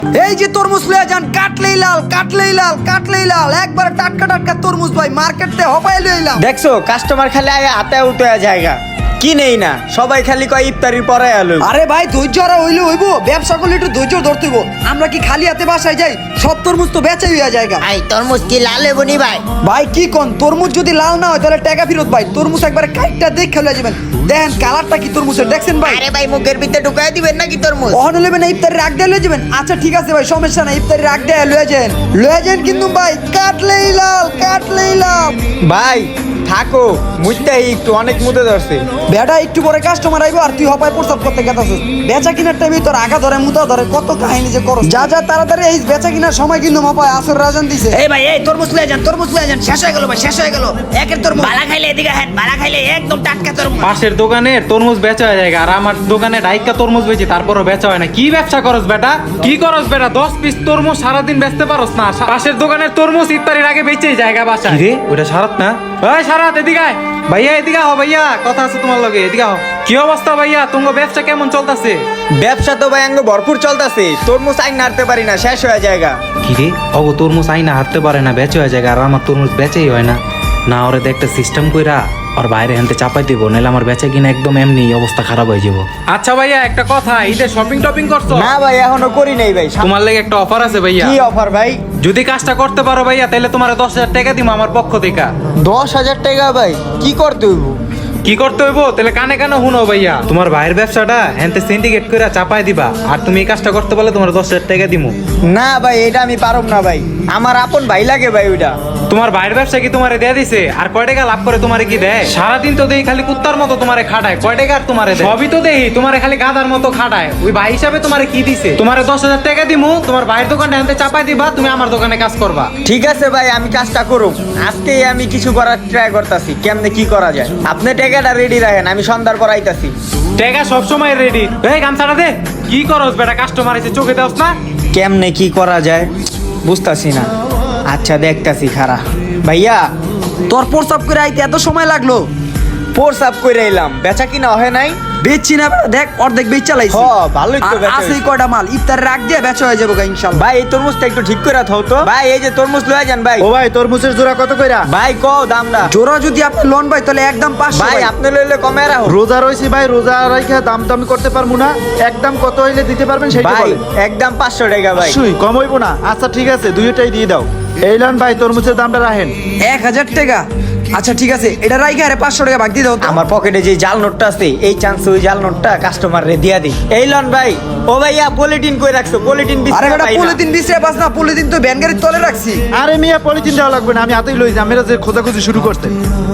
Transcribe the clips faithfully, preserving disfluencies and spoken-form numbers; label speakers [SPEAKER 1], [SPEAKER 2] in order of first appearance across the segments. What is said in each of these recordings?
[SPEAKER 1] এই যে তরমুজ লয়ে যান, কাটলেই লাল কাটলেই লাল কাটলেই লাল, একবার টাটকা টাটকা তরমুজ ভাই, মার্কেটে হপাই লইলাম।
[SPEAKER 2] দেখছো কাস্টমার খালি আয় হাতে উঠে জায়গা কি নেই না, সবাই খালি কয় ইফতারির পরে আলো।
[SPEAKER 1] আরে ভাই ধৈর্য আর হইলে হইব, ব্যবসা করলে একটু ধৈর্য ধরতে হইব। আমরা কি খালি হাতে বাসায় যাই? সব তরমুজ তো বেচাই হইয়া জায়গা।
[SPEAKER 3] ভাই তরমুজ কি লাল লেবুনি ভাই?
[SPEAKER 1] ভাই কি কোন, তরমুজ যদি লাল না হয় তাহলে টাকা ফেরত ভাই। তরমুজ একবার কাইটটা দেখে লয়ে যাবেন, দেখেন কালারটা কি তরমুজের, দেখছেন ভাই?
[SPEAKER 3] আরে ভাই মুখের ভিতরে ঢুকাই দিবেন নাকি তরমুজ?
[SPEAKER 1] অহন লইবেন না, ইফতারি রাখ দিয়ে লয়ে যাবেন। আচ্ছা ঠিক আছে ভাই, সমস্যা নাই, ইফতারি রাখ দিয়ে লয়ে যান লয়ে যান, কিন্তু ভাই কাটলেই লাল কাটলেই লাল।
[SPEAKER 2] ভাই থাকো মুইতাই একটু অনেক মুতে ধরছে।
[SPEAKER 1] বেটা একটু পরে কাস্টমার আইবো আর তুই হপায় প্রস্তাব করতে গেতাছিস। বেচা কিনার টাইমে তোর আগা ধরে মুতা ধরে কত কাহিনী যে করস। যা যা তাড়াতাড়ি এই বেচা কিনার সময় কিন্তু হপায় আসর রাজন দিছে।
[SPEAKER 3] এই ভাই এই তরমুজ লয়ে যান, তরমুজ লয়ে যান, শেষ হয়ে গেল ভাই, শেষ হয়ে গেল। একের তরমুজ বালা খাইলে এদিকে হেন, বালা খাইলে একদম টাটকা তরমুজ।
[SPEAKER 4] পাশের দোকানে তরমুজ বেচা হয়ে যায় আর আমার দোকানে ডাইকা তরমুজ বেচি তারপরও বেচা হয় না। কি ব্যবসা করস বেটা? কি করস বেটা? দশ পিস তরমুজ সারাদিন বেচতে পারস না? পাশের দোকানের তরমুজ ইফতারির আগে বেচেই জায়গা বাসা রে। ওটা সারাত না? ওই সারাত এদিকে আয়। ভাইয়া এদিকে আও, ভাইয়া কথা আছে তোমার লগে, এদিকে আও। কি অবস্থা ভাইয়া, তোমার ব্যবসা কেমন চলতেছে?
[SPEAKER 2] ব্যবসা তো ভাই আঙ্গ ভরপুর চলতেছে, তরমুজ আইন নাড়তে পারি না, শেষ হয়ে জায়গা।
[SPEAKER 4] কি রে অগো তরমুজ আইনা হারতে পারে না, বেচে হয়ে যায় আর আমার তরমুজ বেচেই হয় না। না ওরে একটা সিস্টেম কইরা আর বাইরে হানতে চাপাই দিব, নাহলে আমার বেচা কিনা একদম এমনি অবস্থা খারাপ হয়ে যাব। আচ্ছা ভাইয়া একটা কথা, ঈদে শপিং টপিং করছো?
[SPEAKER 2] না ভাই এখনো করি নাই ভাই।
[SPEAKER 4] তোমার লাগে একটা অফার আছে ভাইয়া।
[SPEAKER 2] কি অফার ভাই?
[SPEAKER 4] যদি কাজটা করতে পারো ভাইয়া তাহলে তোমার দশ হাজার টাকা দিব আমার পক্ষ থেকে।
[SPEAKER 2] দশ হাজার টাকা ভাই? কি করতে হইব?
[SPEAKER 4] কি করতে হইব তাহলে কানে কানে শুনো ভাইয়া। তোমার ভাইয়ের ব্যবসাটা হ্যান্তে সিন্ডিকেট করে চাপাই দিবা, আর তুমি এই কাজটা করতে পারলে তোমার দশ হাজার টাকা দিমু।
[SPEAKER 2] না ভাই এটা আমি পারব না ভাই, আমার আপন ভাই লাগে ভাই ওইটা।
[SPEAKER 4] তোমার ভাইয়ের ব্যবসা কি তোমারে দেয়া দিছে? আর কয় টাকা লাভ করে তোমারে কি দেয়? সারাদিন তো দেই খালি কুত্তার মতো তোমারে খাটায়, কয় টাকা আর তোমারে দেয়? সবই তো দেই তোমারে খালি গাধার মতো খাটায়। ওই ভাই হিসাবে তোমারে কি দিছে? তোমারে দশ হাজার টাকা দিমু, তোমার ভাইয়ের দোকানে হ্যান্তে চাপাই দিবা, তুমি আমার দোকানে কাজ করবা।
[SPEAKER 2] ঠিক আছে ভাই আমি কাজটা করুম, আজকেই আমি কিছু করার ট্রাই করতেছি, কেমনে কি করা যায়। আপনি টাকাটা রেডি রাখেন, আমি সন্ধ্যার পর আইতাছি।
[SPEAKER 4] টাকা সবসময় রেডি। এই গামছাটা দে। কি করস বেটা, কাস্টমার এসে চোখে দেওস না?
[SPEAKER 2] কেমনে কি করা যায় বুঝতাছি না। আচ্ছা দেখতাছি খারা। ভাইয়া
[SPEAKER 1] তোর প্রস্তাব করে আইতে এত সময় লাগলো?
[SPEAKER 2] প্রস্তাব করে এলাম, বেচা কিনা হয় নাই।
[SPEAKER 1] বেচছি না বেটা, দেখ অর্ধেক বেচ চালাইছি।
[SPEAKER 2] হ ভালোই তো বেচা
[SPEAKER 1] আছে
[SPEAKER 2] হইছে।
[SPEAKER 1] কয়টা মাল, ইফতার রাখ দিয়ে বেচা হয়ে যাবো ইনশাল্লাহ।
[SPEAKER 2] ভাই এই তরমুজটা একটু ঠিক করে থাও তো। ভাই এই যে তরমুজ লয়ে যান ভাই।
[SPEAKER 5] ও ভাই তরমুজের জোড়া কত কইরা?
[SPEAKER 2] ভাই কও দামটা।
[SPEAKER 1] জোড়া যদি আপনি লোন ভাই তাহলে একদম পাঁচশো
[SPEAKER 2] ভাই
[SPEAKER 1] ভাই।
[SPEAKER 2] আপনি লইলে কমে রাখো।
[SPEAKER 5] রোজা রইছি ভাই, রোজা রাইখা দাম তো আমি করতে পারবো না, একদম কত হইলে দিতে পারবেন সেটা
[SPEAKER 2] ভাই
[SPEAKER 5] বলেন।
[SPEAKER 2] একদম পাঁচশো টাকা ভাই।
[SPEAKER 5] সুই কম হইবো না? আচ্ছা ঠিক আছে দুইটাই দিয়ে দাও। এই লন ভাই তরমুজের দামটা রাখেন।
[SPEAKER 1] এক হাজার টাকা? আচ্ছা ঠিক আছে, এটা রাইখা আরে পাঁচশো টাকা ভাগ দিয়ে দাও তো।
[SPEAKER 2] আমার পকেটে যে জাল নোটটা আছে এই চান্সে ওই জাল নোটটা কাস্টমার রে দিয়া দিই। এই লন ভাই। ও ভাইয়া পলিটিন কই রাখছো? পলিটিন বিস্কুট
[SPEAKER 1] আরে বেটা
[SPEAKER 2] পাই না।
[SPEAKER 1] পলিথিন বিছরে পাস না, পলিথিন তো ভ্যান গাড়ির তলে রাখছি।
[SPEAKER 5] আরে মিয়া পলিথিন দেওয়া লাগবে না, আমি হাতেই লই যাই। আমরা যে খোঁজাখুঁজি শুরু করতে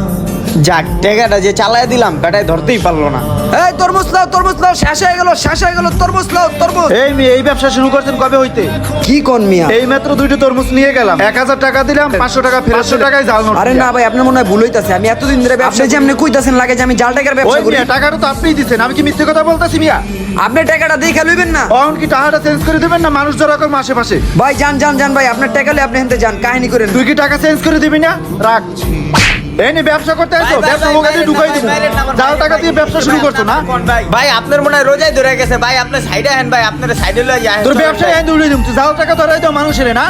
[SPEAKER 2] যাক টাকাটা যে চালায় দিলাম বেটায় ধরতেই পারলো না।
[SPEAKER 1] এই তরমুজ লাও তরমুজ লাও, শেষ হয়ে গেল শেষ হয়ে গেল, তরমুজ লাও তরমুজ।
[SPEAKER 5] এই মেয়ে এই ব্যবসা শুরু করছেন কবে হইতে?
[SPEAKER 1] কি কোন মিয়া?
[SPEAKER 5] এই মাত্র দুইটা তরমুজ নিয়ে গেলাম, এক হাজার টাকা দিলাম, পাঁচশো টাকা ফেরত, পাঁচশো টাকায় জাল নোট।
[SPEAKER 1] আরে না ভাই আপনার মনে হয় ভুল হইতাছে। আমি এতদিন ধরে ব্যবসা, যে আপনি কইতাছেন লাগে যে আমি জাল টাকার
[SPEAKER 5] ওই
[SPEAKER 1] ব্যবসা করি।
[SPEAKER 5] মিয়া টাকাটা তো আপনিই দিচ্ছেন, আমি কি মিথ্যে কথা বলতেছি মিয়া?
[SPEAKER 1] আপনি টাকাটা দেখে লইবেন না?
[SPEAKER 5] অন কি টাকাটা চেঞ্জ করে দিবেন না? মানুষ যারা রকম আশেপাশে।
[SPEAKER 1] ভাই যান যান যান ভাই, আপনার টাকা লই আপনি হেনতে যান, কাহিনী করেন।
[SPEAKER 5] তুই কি টাকা চেঞ্জ করে দিবি না? রাখ। এই নি ব্যবসা করতে
[SPEAKER 2] ভাই,
[SPEAKER 5] আসছো,
[SPEAKER 2] ভাই,
[SPEAKER 5] ব্যবসা
[SPEAKER 2] ভাই,
[SPEAKER 5] মোকাতে
[SPEAKER 2] বাইরের
[SPEAKER 5] ঢুকাই
[SPEAKER 2] না,
[SPEAKER 5] দিব।
[SPEAKER 2] বাইরের না, আমার
[SPEAKER 5] জাল
[SPEAKER 2] বাইরের,
[SPEAKER 5] টাকা দিয়ে
[SPEAKER 2] ভাই,
[SPEAKER 5] ব্যবসা শুরু করছো না?
[SPEAKER 2] ভাই ভাই আপনার মনে হয় রোজাই ধরে গেছে ভাই, আপনি সাইডে হেন ভাই, আপনার সাইডে লয়ে যায়।
[SPEAKER 5] তোর ব্যবসায় আইন উড়িয়ে দিম, তুই জাল টাকা ধরাই দাও মানুষের না।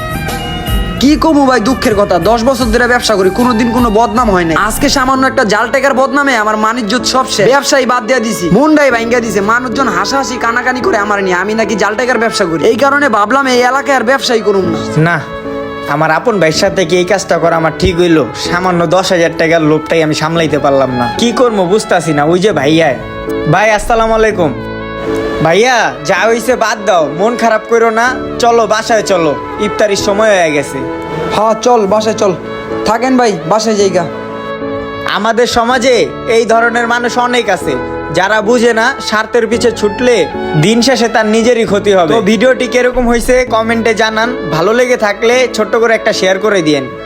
[SPEAKER 1] কি কমু ভাই, দুঃখের কথা, দশ বছর ধরে ব্যবসা করি, কোনোদিন কোনো বদনাম হয় না। আজকে সামান্য একটা জাল টাকার বদনামে আমার মানিজ্যত সব শেষ। ব্যবসায়ী বাদ দিয়ে দিছি, মুন্ডাই ভাঙ্গা দিছে, মানুষজন হাসাহাসি কানাকানি করে আমার নিয়ে, আমি নাকি জাল টাকার ব্যবসা করি। এই কারণে ভাবলাম এই এলাকায় আর ব্যবসায়ী করুম না।
[SPEAKER 2] না আমার আপন ভাইয়ের সাথে কি এই কাজটা করা আমার ঠিক হইলো? সামান্য দশ হাজার টাকার লোভটাই আমি সামলাইতে পারলাম না। কি করবো বুঝতাছি না। ওই যে ভাইয়া। ভাই আসসালামু আলাইকুম। ভাইয়া যা হইছে বাদ দাও, মন খারাপ করো না, চলো বাসায় চলো, ইফতারির সময় হয়ে গেছে।
[SPEAKER 1] হ্যাঁ চল বাসায় চল। থাকেন ভাই, বাসায় যাইগা।
[SPEAKER 2] আমাদের সমাজে এই ধরনের মানুষ অনেক আছে যারা বুঝে না স্বার্থের পিছে ছুটলে দিন শেষে তার নিজেরই ক্ষতি হবে। তো ভিডিওটি কিরকম হয়েছে কমেন্টে জানান, ভালো লেগে থাকলে ছোট্ট করে একটা শেয়ার করে দিয়েন।